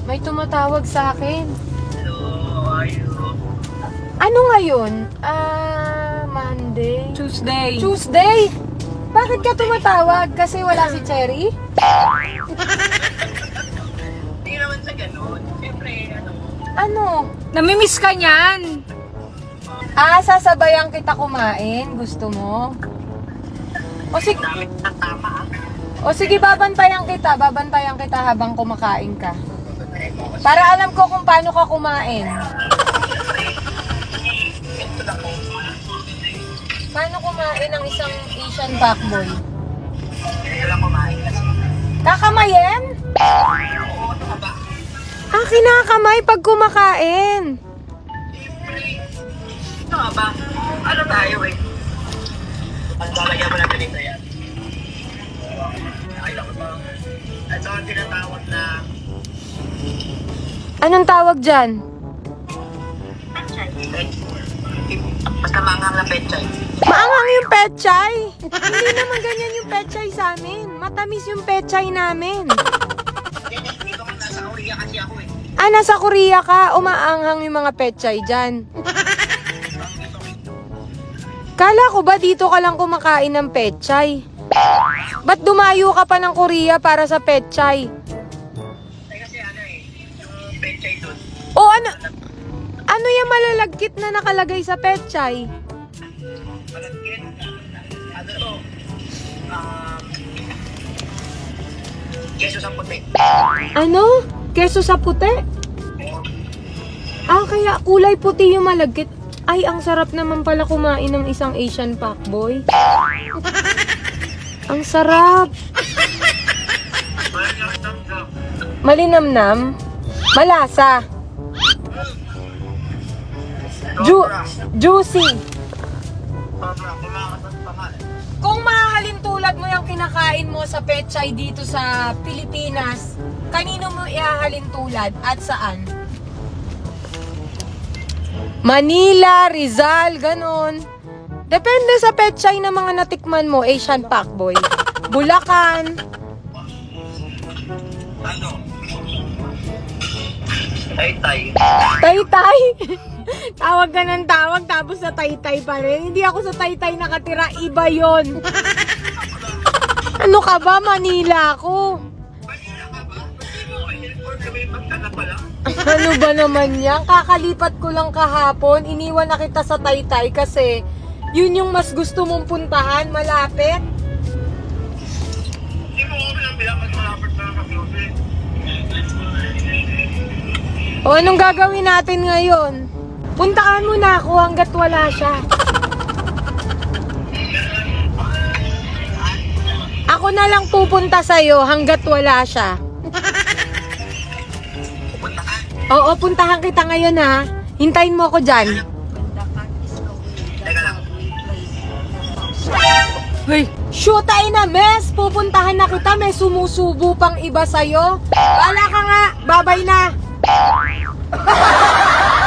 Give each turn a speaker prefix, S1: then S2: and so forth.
S1: May tumatawag sa akin.
S2: Hello, how are you?
S1: Ano ngayon? Monday?
S3: Tuesday.
S1: Tuesday? Bakit ka tumatawag? Kasi wala si Cherry?
S2: Hindi naman sa ganun. Siyempre,
S1: Ano?
S3: Namimiss ka niyan.
S1: Sasabayan kita kumain. Gusto mo?
S2: dami ng tama.
S1: O sige, babantayan kita. Babantayan kita habang kumakain ka. Para alam ko kung paano ka kumain.
S2: Ito lang po.
S1: Paano kumain ng isang Asian fuckboy?
S2: Ito lang kumain kasi.
S1: Kakamayin?
S2: Oo, ano ka ba?
S1: Kinakamay pag kumakain.
S2: Siyempre. Ano ka ba? Ano tayo eh? Ang lalagyan mo lang ganito yan. Ay, ako ba? At saka tinatawag na
S1: Anong tawag dyan?
S2: basta manghang na petchay.
S1: Maanghang yung pechay. Hindi naman ganyan yung pechay sa amin. Matamis yung pechay namin.
S2: Dito ka nasa Korea kasi ako eh.
S1: Nasa Korea ka, umaanghang yung mga pechay dyan. Kala ko ba dito ka lang kumakain ng pechay? Ba't dumayo ka pa ng Korea para sa pechay?
S2: Ay kasi ano eh, yung petchay doon.
S1: O ano yung malalagkit na nakalagay sa pechay?
S2: Malagkit. Ano to? Keso sa puti.
S1: Ano? Keso sa puti? Kaya kulay puti yung malagkit. Ay, ang sarap naman pala kumain ng isang Asian fuckboy. Ang sarap. Malinamnam. Malasa. Juicy. Kung mahalin tulad mo yung kinakain mo sa pechay dito sa Pilipinas, kanino mo ihahalin tulad at saan? Manila, Rizal, ganon. Depende sa pechay na mga natikman mo, Asian fuckboy. Bulacan.
S2: Ano? Tay-tay.
S1: Taytay. Tawag ka ng tawag tapos sa Taytay pa rin. Hindi ako sa Taytay nakatira, iba yon. Ano ka ba? Manila ako.
S2: Manila ka ba? Hindi mo airport kami pagkana pala.
S1: Ano ba naman yan? Kakalipat ko lang kahapon. Iniwan na kita sa Taytay kasi yun yung mas gusto mong puntahan, malapit.
S2: Hindi mo kami lang bilang malapit na kami.
S1: O anong gagawin natin ngayon? Puntahan mo na ako hanggat wala siya. Ako na lang pupunta sa'yo hanggat wala siya.
S2: Pupunta ka.
S1: Oo, puntahan kita ngayon ha. Hintayin mo ako dyan.
S2: Teka lang.
S1: Hey, shoot ay na, mes! Pupuntahan na kita, may sumusubo pang iba sa'yo. Wala ka nga, babay na.